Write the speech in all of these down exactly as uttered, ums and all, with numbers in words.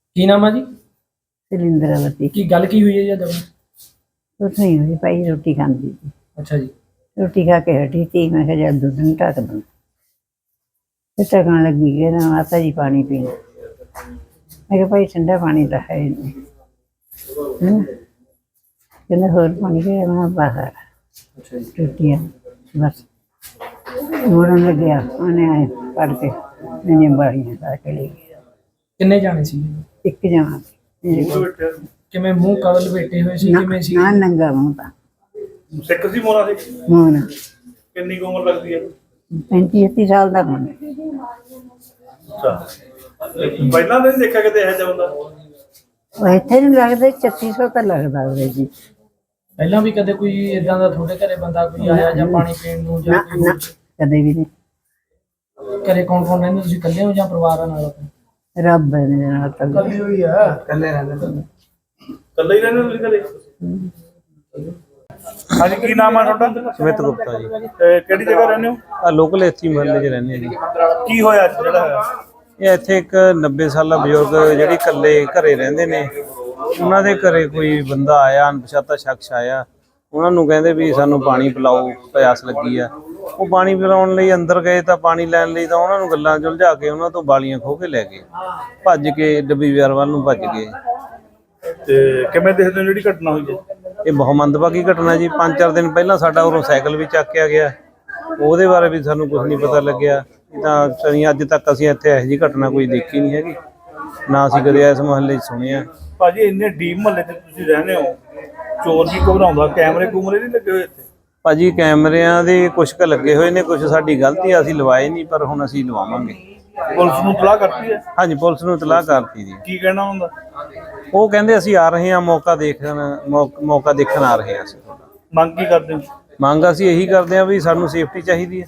ਕੀ ਨਾਮ ਆ ਜੀ? सिलिंदरावती। ਕੀ ਗੱਲ ਕੀ ਹੋਈ ਹੈ ਜੀ ਅੱਜ? कुछ नहीं हुई भाई, रोटी खाती थी। ਅੱਛਾ जी। रोटी खा के हटी थी, मैं कहा जब दूध नहीं ढक दूँ। फिर ढकन लगी कि ना माता जी पानी पीना। मैं कहा भाई ठंडा पानी तो है ही नहीं, है ना। कहते होर पानी के मैं बाहर अच्छा जी। रोटियाँ बस मोड़न लग गया, उन्हें आए पढ़ के मैंने बाड़ियाँ ला के ले गया। ਕਿੰਨੇ ਜਾਣੇ ਸੀ? एक जमा मेरे को ਕਿਵੇਂ ਮੂੰਹ ਕਵਲ ਲਪੇਟੇ ਹੋਏ ਸੀ? ना ਕਿਵੇਂ ਸੀ? ना नंगा मुँह था। ਸਿੱਖ ਸੀ ਮੋਨਾ ਸੀ? मोना ਕਿੰਨੀ ਕੁ ਉਮਰ ਲੱਗਦੀ ਹੈ? पैंती छत्ती साल का होना। ਅੱਛਾ, ਪਹਿਲਾਂ ਤਾਂ ਨਹੀਂ ਦੇਖਿਆ ਕਿਤੇ ਇਹੋ ਜਿਹਾ ਹੁੰਦਾ। ਉਹ ਇੱਥੇ ਨਹੀਂ ਲੱਗਦਾ, ਛੱਤੀ ਸੌ ਤਾਂ ਲੱਗਦਾ ਉਹਦੇ ਜੀ। ਪਹਿਲਾਂ ਵੀ ਕਦੇ ਕੋਈ ਇਦਾਂ ਦਾ ਤੁਹਾਡੇ ਘਰੇ ਬੰਦਾ ਕੋਈ ਆਇਆ ਜਾਂ ਪਾਣੀ ਪੀਣ ਨੂੰ ਜਾਂ ਨਾ ਕੋਈ ਨਾ ਕਦੇ ਵੀ ਨਹੀਂ। ਘਰੇ ਕੌਣ ਕੌਣ ਰਹਿੰਦੇ? ਤੁਸੀਂ ਇਕੱਲੇ ਹੋ ਜਾਂ ਪਰਿਵਾਰਾਂ ਨਾਲ ਆਪਣੇ? ਰੱਬ ਨੇ ਨਾਲ ਤਾਂ ਹੋਈ ਆ, ਇਕੱਲੇ ਰਹਿੰਦੇ ਨੇ। ਇਕੱਲੇ ਹੀ ਰਹਿੰਦੇ ਤੁਸੀਂ ਘਰੇ? ਹਾਂਜੀ, ਕੀ ਨਾਮ ਆ ਤੁਹਾਡਾ? ਸਮਿਤ ਗੁਪਤਾ ਜੀ। ਤੇ ਕਿਹੜੀ ਜਗ੍ਹਾ ਰਹਿੰਦੇ ਹੋ? ਆ ਲੋਕਲ ਇੱਥੇ ਮਹੱਲੇ 'ਚ ਰਹਿੰਦੇ ਆ ਜੀ। ਕੀ ਹੋਇਆ ਅੱਜ ਜਿਹੜਾ ਹੋਇਆ? ਇਹ ਇੱਥੇ ਇੱਕ ਨੱਬੇ ਸਾਲਾ ਬਜ਼ੁਰਗ ਜਿਹੜੀ ਇਕੱਲੇ ਘਰੇ ਰਹਿੰਦੇ ਨੇ, ਉਹਨਾਂ ਦੇ ਘਰੇ ਕੋਈ ਬੰਦਾ ਆਇਆ, ਅਣਪਛਾਤਾ ਸ਼ਖਸ ਆਇਆ। ਉਹਨਾਂ ਨੂੰ ਕਹਿੰਦੇ ਵੀ ਸਾਨੂੰ ਪਾਣੀ ਪਿਲਾਓ, ਪਿਆਸ ਲੱਗੀ ਆ। ਉਹ ਪਾਣੀ ਪਿਲਾਉਣ ਲਈ ਅੰਦਰ ਗਏ ਤਾਂ ਪਾਣੀ ਲੈਣ ਲਈ ਤਾਂ ਉਹਨਾਂ ਨੂੰ ਗੱਲਾਂ 'ਚ ਉਲਝਾ ਕੇ ਉਹਨਾਂ ਤੋਂ ਬਾਲੀਆਂ ਖੋਹ ਕੇ ਲੈ ਗਏ, ਭੱਜ ਕੇ ਡੱਬੀ ਬਾਜ਼ਾਰ ਵੱਲ ਨੂੰ ਭੱਜ ਗਏ। ਤੇ ਕਿਵੇਂ ਦੇਖਦੇ ਹੋ ਜਿਹੜੀ ਘਟਨਾ ਹੋਈ ਹੈ? ਇਹ ਬਹੁਤ ਮੰਦਭਾਗੀ ਘਟਨਾ ਜੀ। ਪੰਜ ਚਾਰ ਦਿਨ ਪਹਿਲਾਂ ਸਾਡਾ ਉਰੋਂ ਸਾਈਕਲ ਵੀ ਚੱਕਿਆ ਗਿਆ, ਉਹਦੇ ਬਾਰੇ ਵੀ ਸਾਨੂੰ ਕੁਝ ਨਹੀਂ ਪਤਾ ਲੱਗਿਆ। ਤਾਂ ਸਨੀ ਅੱਜ ਤੱਕ ਅਸੀਂ ਇੱਥੇ ਇਹੋ ਜਿਹੀ ਘਟਨਾ ਕੋਈ ਦੇਖੀ ਨਹੀਂ ਹੈਗੀ, ਨਾ ਅਸੀਂ ਕਦੇ ਇਸ ਮੁਹੱਲੇ 'ਚ ਸੁਣਿਆ। ਭਾਜੀ ਇੰਨੇ ਡੀਪ ਮਹੱਲੇ 'ਚ ਤੁਸੀਂ ਰਹਿੰਦੇ ਹੋ, ਚੋਰ ਵੀ ਘਬਰਾਉਂਦਾ, ਕੈਮਰੇ ਕੂਮਰੇ ਨਹੀਂ ਲੱਗੇ ਹੋਏ ਇੱਥੇ? ਭਾਜੀ ਕੈਮਰਿਆਂ ਦੇ ਕੁਛ ਕੁ ਲੱਗੇ ਹੋਏ ਨੇ, ਕੁਛ ਸਾਡੀ ਗਲਤੀ ਆ, ਅਸੀਂ ਲਵਾਏ ਨਹੀਂ, ਪਰ ਹੁਣ ਅਸੀਂ ਲਵਾਵਾਂਗੇ। ਪੁਲਿਸ ਨੂੰ ਇਤਲਾਹ ਕਰਤੀ ਹੈ? ਹਾਂਜੀ, ਪੁਲਿਸ ਨੂੰ ਇਤਲਾਹ ਕਰਤੀ ਜੀ। ਕੀ ਕਹਿਣਾ ਹੁੰਦਾ? ਉਹ ਕਹਿੰਦੇ ਅਸੀਂ ਆ ਰਹੇ ਹਾਂ, ਮੌਕਾ ਦੇਖਣ ਮੌਕ- ਮੌਕਾ ਦੇਖਣ ਆ ਰਹੇ ਹਾਂ ਅਸੀਂ। ਮੰਗ ਕੀ ਕਰਦੇ ਹੋ? ਮੰਗ ਅਸੀਂ ਇਹੀ ਕਰਦੇ ਹਾਂ ਵੀ ਸਾਨੂੰ ਸੇਫਟੀ ਚਾਹੀਦੀ ਹੈ।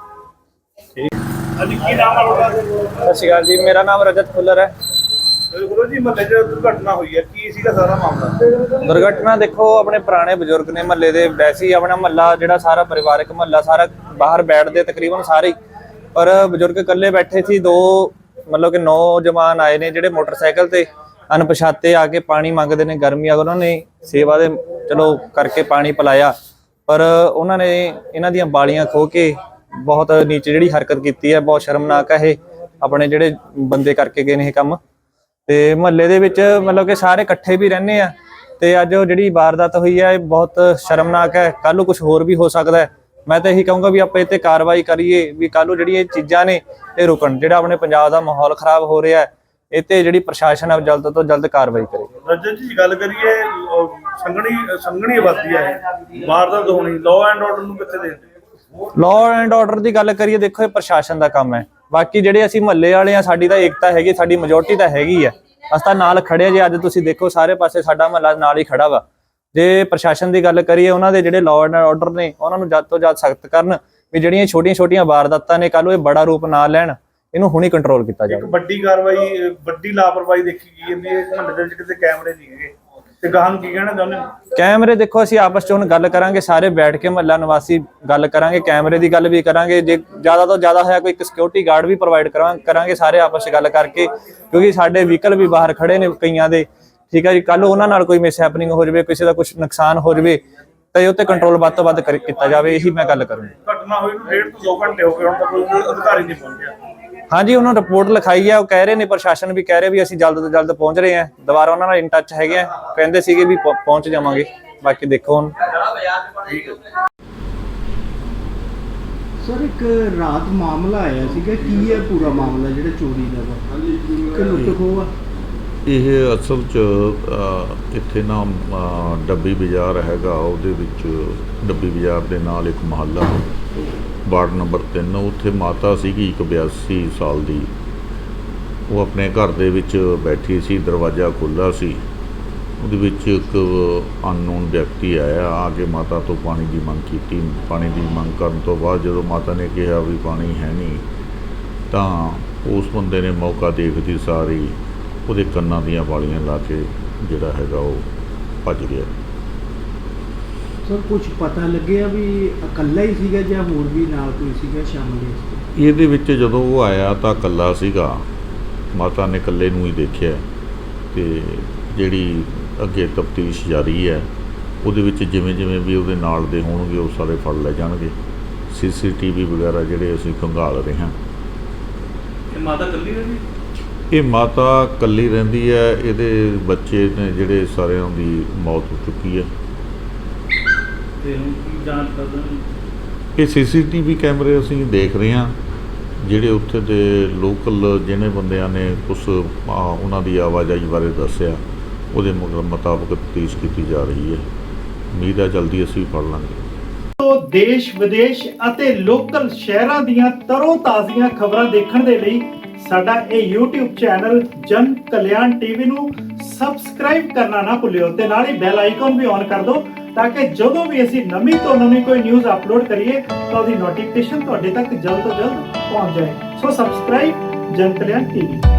ਹਾਂਜੀ, ਕੀ ਨਾਮ ਆ ਤੁਹਾਡਾ? ਸਤਿ ਸ਼੍ਰੀ ਅਕਾਲ ਜੀ, ਮੇਰਾ ਨਾਮ ਰਜਤ ਖੁੱਲਰ ਹੈ। ਗੁਰੂ ਜੀ, ਮਹੱਲੇ 'ਚ ਦੁਰਘਟਨਾ ਹੋਈ ਹੈ, ਕੀ ਸੀਗਾ ਸਾਰਾ ਮਾਮਲਾ? ਦੁਰਘਟਨਾ ਦੇਖੋ, ਆਪਣੇ ਪੁਰਾਣੇ ਬਜ਼ੁਰਗ ਨੇ ਮਹੱਲੇ ਦੇ, ਵੈਸੇ ਹੀ ਆਪਣਾ ਮਹੱਲਾ ਜਿਹੜਾ ਸਾਰਾ ਪਰਿਵਾਰਕ ਮਹੱਲਾ ਸਾਰਾ ਬਾਹਰ ਬੈਠਦੇ ਤਕਰੀਬਨ ਸਾਰੇ ਹੀ, ਪਰ ਬਜ਼ੁਰਗ ਇਕੱਲੇ ਬੈਠੇ ਸੀ। ਦੋ ਮਤਲਬ ਕਿ ਨੌਜਵਾਨ ਆਏ ਨੇ ਜਿਹੜੇ ਮੋਟਰਸਾਈਕਲ ਤੇ ਅਣਪਛਾਤੇ ਆ ਕੇ ਪਾਣੀ ਮੰਗਦੇ ਨੇ, ਗਰਮੀ ਆ, ਉਹਨਾਂ ਨੇ ਸੇਵਾ ਦੇ ਚਲੋ ਕਰਕੇ ਪਾਣੀ ਪਿਲਾਇਆ, ਪਰ ਉਹਨਾਂ ਨੇ ਇਹਨਾਂ ਦੀਆਂ ਬਾਲੀਆਂ ਖੋਹ ਕੇ ਬਹੁਤ ਨੀਚ ਜਿਹੜੀ ਹਰਕਤ ਕੀਤੀ ਹੈ, ਬਹੁਤ ਸ਼ਰਮਨਾਕ ਹੈ ਇਹ ਆਪਣੇ ਜਿਹੜੇ ਬੰਦੇ ਕਰਕੇ ਗਏ ਨੇ ਇਹ ਕੰਮ। ਤੇ ਮਹੱਲੇ ਦੇ ਵਿੱਚ ਮਤਲਬ ਕਿ ਸਾਰੇ ਇਕੱਠੇ ਵੀ ਰਹਿੰਦੇ ਆ, ਤੇ ਅੱਜ ਉਹ ਜਿਹੜੀ ਵਾਰਦਾਤ ਹੋਈ ਹੈ ਇਹ ਬਹੁਤ ਸ਼ਰਮਨਾਕ ਹੈ। ਕੱਲ ਨੂੰ ਕੁਝ ਹੋਰ ਵੀ ਹੋ ਸਕਦਾ ਹੈ। ਮੈਂ ਤਾਂ ਇਹੀ ਕਹੂੰਗਾ ਵੀ ਆਪਾਂ ਇਹ ਤੇ ਕਾਰਵਾਈ ਕਰੀਏ, ਵੀ ਕੱਲ ਨੂੰ ਜਿਹੜੀ ਇਹ ਚੀਜ਼ਾਂ ਨੇ ਇਹ ਰੁਕਣ। ਜਿਹੜਾ ਆਪਣੇ ਪੰਜਾਬ ਦਾ ਮਾਹੌਲ ਖਰਾਬ ਹੋ ਰਿਹਾ ਹੈ, ਇਹ ਤੇ ਜਿਹੜੀ ਪ੍ਰਸ਼ਾਸਨ ਹੈ ਜਲਦ ਤੋਂ ਜਲਦ ਕਾਰਵਾਈ ਕਰੇ। ਰਜਤ ਜੀ, ਗੱਲ ਕਰੀਏ ਸੰਘਣੀ ਸੰਘਣੀ ਆਬਾਦੀ ਹੈ, ਵਾਰਦਾਤ ਹੋਣੀ, ਲਾਅ ਐਂਡ ਆਰਡਰ ਨੂੰ ਕਿੱਥੇ ਦੇਖਦੇ? ਲਾਅ ਐਂਡ ਆਰਡਰ ਦੀ ਗੱਲ ਕਰੀਏ, ਦੇਖੋ ਇਹ ਪ੍ਰਸ਼ਾਸਨ ਦਾ ਕੰਮ ਹੈ। ਬਾਕੀ ਜਿਹੜੇ ਅਸੀਂ ਮਹੱਲੇ ਵਾਲੇ ਆ, ਸਾਡੀ ਤਾਂ ਏਕਤਾ ਹੈਗੀ, ਸਾਡੀ ਮੈਜੋਰਟੀ ਤਾਂ ਹੈਗੀ ਆ, ਅਸੀਂ ਤਾਂ ਨਾਲ ਖੜੇ ਆ ਜੀ। ਅੱਜ ਤੁਸੀਂ ਦੇਖੋ ਸਾਰੇ ਪਾਸੇ ਸਾਡਾ ਮਹੱਲਾ ਨਾਲ ਹੀ ਖੜਾ ਵਾ। ਜੇ ਪ੍ਰਸ਼ਾਸਨ ਦੀ ਗੱਲ ਕਰੀਏ, ਉਹਨਾਂ ਦੇ ਜਿਹੜੇ ਲਾਅ ਐਂਡ ਆਰਡਰ ਨੇ ਉਹਨਾਂ ਨੂੰ ਜਦ ਤੋਂ ਜਦ ਸਖਤ ਕਰਨ, ਵੀ ਜਿਹੜੀਆਂ ਛੋਟੀਆਂ ਛੋਟੀਆਂ ਵਾਰਦਾਤਾਂ ਨੇ ਕੱਲ ਨੂੰ ਇਹ ਬੜਾ ਰੂਪ ਨਾ ਲੈਣ, ਇਹਨੂੰ ਹੁਣੀ ਕੰਟਰੋਲ ਕੀਤਾ ਜਾਵੇ। ਇੱਕ ਵੱਡੀ ਕਾਰਵਾਈ, ਵੱਡੀ ਲਾਪਰਵਾਹੀ ਦੇਖੀ ਗਈ ਹੈ ਵੀ ਇਹ ਮਹੱਲੇ ਦੇ ਵਿੱਚ ਕਿਤੇ ਕੈਮਰੇ ਨਹੀਂ ਹੈਗੇ, ਤੇ ਗਾਹਾਂ ਨੂੰ ਕੀ ਕਹਿਣਾ ਚਾਹੁੰਦੇ ਹੋ? ਕੈਮਰੇ ਦੇਖੋ, ਅਸੀਂ ਆਪਸ ਚ ਹੁਣ ਗੱਲ ਕਰਾਂਗੇ, ਸਾਰੇ ਬੈਠ ਕੇ ਮਹੱਲਾ ਨਿਵਾਸੀ ਗੱਲ ਕਰਾਂਗੇ, ਕੈਮਰੇ ਦੀ ਗੱਲ ਵੀ ਕਰਾਂਗੇ। ਜੇ ਜ਼ਿਆਦਾ ਤੋਂ ਜ਼ਿਆਦਾ ਹੋਇਆ ਕੋਈ ਇੱਕ ਸਿਕਿਉਰਿਟੀ ਗਾਰਡ ਵੀ ਪ੍ਰੋਵਾਈਡ ਕਰਾਂਗੇ ਸਾਰੇ ਆਪਸ ਚ ਗੱਲ ਕਰਕੇ, ਕਿਉਂਕਿ ਸਾਡੇ ਵਹੀਕਲ ਵੀ ਬਾਹਰ ਖੜੇ ਨੇ ਕਈਆਂ ਦੇ, ਠੀਕ ਹੈ ਜੀ। ਕੱਲ ਉਹਨਾਂ ਨਾਲ ਕੋਈ ਮਿਸ ਹੈਪਨਿੰਗ ਹੋ ਜਾਵੇ, ਕਿਸੇ ਦਾ ਕੁਝ ਨੁਕਸਾਨ ਹੋ ਜਾਵੇ, ਤਾਂ ਇਹ ਉੱਤੇ ਕੰਟਰੋਲ ਵੱਧ ਤੋਂ ਵੱਧ ਕੀਤਾ ਜਾਵੇ, ਇਹੀ ਮੈਂ ਗੱਲ ਕਰੂੰਗਾ। ਘਟਨਾ ਹੋਈ ਨੂੰ ਡੇਢ ਤੋਂ ਦੋ ਘੰਟੇ ਹੋ ਗਏ, ਹੁਣ ਤੱਕ ਕੋਈ ਅਧਿਕਾਰੀ ਨਹੀਂ ਪਹੁੰਚਿਆ। ਹਾਂਜੀ, ਉਹਨਾਂ ਰਿਪੋਰਟ ਲਿਖਾਈ ਹੈ, ਉਹ ਕਹਿ ਰਹੇ ਨੇ, ਪ੍ਰਸ਼ਾਸਨ ਵੀ ਕਹਿ ਰਿਹਾ ਵੀ ਅਸੀਂ ਜਲਦ ਤੋਂ ਜਲਦ ਪਹੁੰਚ ਰਹੇ ਹਾਂ। ਦੁਬਾਰਾ ਉਹਨਾਂ ਨਾਲ ਇਨ ਟੱਚ ਹੈਗੇ ਆ, ਕਹਿੰਦੇ ਸੀਗੇ ਵੀ ਪਹੁੰਚ ਜਾਵਾਂਗੇ। ਬਾਕੀ ਦੇਖੋ ਹੁਣ। ਸਰ, ਇੱਕ ਰਾਤ ਮਾਮਲਾ ਆਇਆ ਸੀਗਾ, ਕੀ ਹੈ ਪੂਰਾ ਮਾਮਲਾ ਜਿਹੜਾ ਚੋਰੀ ਦਾ ਵਾ ਕਿ ਲੁੱਟ ਖੋਹ ਆ? ਇਹ ਅਸਲ 'ਚ ਅ, ਇੱਥੇ ਨਾ ਅ, ਡੱਬੀ ਬਾਜ਼ਾਰ ਹੈਗਾ, ਉਹਦੇ ਵਿੱਚ ਡੱਬੀ ਬਾਜ਼ਾਰ ਦੇ ਨਾਲ ਇੱਕ ਮੁਹੱਲਾ ਵਾਰਡ ਨੰਬਰ ਤਿੰਨ, ਉੱਥੇ ਮਾਤਾ ਸੀਗੀ ਇੱਕ ਬਿਆਸੀ ਸਾਲ ਦੀ। ਉਹ ਆਪਣੇ ਘਰ ਦੇ ਵਿੱਚ ਬੈਠੀ ਸੀ, ਦਰਵਾਜ਼ਾ ਖੁੱਲ੍ਹਾ ਸੀ, ਉਹਦੇ ਵਿੱਚ ਇੱਕ ਅਨਨੋਨ ਵਿਅਕਤੀ ਆਇਆ, ਆ ਕੇ ਮਾਤਾ ਤੋਂ ਪਾਣੀ ਦੀ ਮੰਗ ਕੀਤੀ। ਪਾਣੀ ਦੀ ਮੰਗ ਕਰਨ ਤੋਂ ਬਾਅਦ ਜਦੋਂ ਮਾਤਾ ਨੇ ਕਿਹਾ ਵੀ ਪਾਣੀ ਹੈ ਨਹੀਂ, ਤਾਂ ਉਸ ਬੰਦੇ ਨੇ ਮੌਕਾ ਦੇਖਦੀ ਸਾਰੀ ਉਹਦੇ ਕੰਨਾਂ ਦੀਆਂ ਵਾਲੀਆਂ ਲਾ ਕੇ ਜਿਹੜਾ ਹੈਗਾ ਉਹ ਭੱਜ ਗਿਆ। ਸਰ, ਕੁਝ ਪਤਾ ਲੱਗਿਆ ਵੀ ਇਕੱਲਾ ਹੀ ਸੀਗਾ ਜਾਂ ਹੋਰ ਵੀ ਨਾਲ ਕੋਈ ਸੀਗਾ ਸ਼ਾਮਲ ਇਸ? ਇਹਦੇ ਵਿੱਚ ਜਦੋਂ ਉਹ ਆਇਆ ਤਾਂ ਇਕੱਲਾ ਸੀਗਾ, ਮਾਤਾ ਨੇ ਇਕੱਲੇ ਨੂੰ ਹੀ ਦੇਖਿਆ। ਤੇ ਜਿਹੜੀ ਅੱਗੇ ਤਫਤੀਸ਼ ਜਾਰੀ ਹੈ ਉਹਦੇ ਵਿੱਚ ਜਿਵੇਂ ਜਿਵੇਂ ਵੀ ਉਹਦੇ ਨਾਲ ਦੇ ਹੋਣਗੇ ਉਹ ਸਾਰੇ ਫੜ ਲਏ ਜਾਣਗੇ। ਸੀਸੀਟੀਵੀ ਵਗੈਰਾ ਜਿਹੜੇ ਅਸੀਂ ਖੰਗਾਲ ਰਹੇ ਹਾਂ। ਇਹ ਮਾਤਾ ਇਕੱਲੀ ਰਹਿੰਦੀ? ਇਹ ਮਾਤਾ ਇਕੱਲੀ ਰਹਿੰਦੀ ਹੈ, ਇਹਦੇ ਬੱਚੇ ਨੇ ਜਿਹੜੇ ਸਾਰਿਆਂ ਦੀ ਮੌਤ ਹੋ ਚੁੱਕੀ ਹੈ। ਤੇ ਹੁਣ ਕੀ ਜਾਂਚ ਕਰਦੇ ਹੋ? ਇਹ ਸੀਸੀਟੀਵੀ ਕੈਮਰੇ ਅਸੀਂ ਦੇਖ ਰਹੇ ਹਾਂ, ਜਿਹੜੇ ਉੱਥੇ ਦੇ ਲੋਕਲ ਜਿਹਨੇ ਬੰਦਿਆਂ ਨੇ ਕੁਛ ਆ, ਉਹਨਾਂ ਦੀ ਆਵਾਜਾਈ ਬਾਰੇ ਦੱਸਿਆ, ਉਹਦੇ ਮਗਰ ਮੁਤਾਬਕ ਤਫਤੀਸ਼ ਕੀਤੀ ਜਾ ਰਹੀ ਹੈ। ਉਮੀਦ ਹੈ ਜਲਦੀ ਅਸੀਂ ਫੜ ਲਾਂਗੇ। ਤੋਂ ਦੇਸ਼ ਵਿਦੇਸ਼ ਅਤੇ ਲੋਕਲ ਸ਼ਹਿਰਾਂ ਦੀਆਂ ਤਰੋ ਤਾਜ਼ੀਆਂ ਖਬਰਾਂ ਦੇਖਣ ਦੇ ਲਈ ਸਾਡਾ ਇਹ YouTube ਚੈਨਲ ਜਨ ਕਲਿਆਣ ਟੀਵੀ ਨੂੰ ਸਬਸਕ੍ਰਾਈਬ ਕਰਨਾ ਨਾ ਭੁੱਲਿਓ ਤੇ ਨਾਲ ਹੀ ਬੈਲ ਆਈਕਨ ਵੀ ਔਨ ਕਰ ਦਿਓ ਤਾਂ ਕਿ ਜਦੋਂ ਵੀ ਅਸੀਂ ਨਵੀਂ ਤੋਂ ਨਵੀਂ ਕੋਈ ਨਿਊਜ਼ ਅਪਲੋਡ ਕਰੀਏ ਤਾਂ ਉਹਦੀ ਨੋਟੀਫਿਕੇਸ਼ਨ ਤੁਹਾਡੇ ਤੱਕ ਜਲਦ ਤੋਂ ਜਲਦ ਪਹੁੰਚ ਜਾਏ। ਸੋ ਸਬਸਕ੍ਰਾਈਬ ਜਨ ਕਲਿਆਣ ਟੀਵੀ।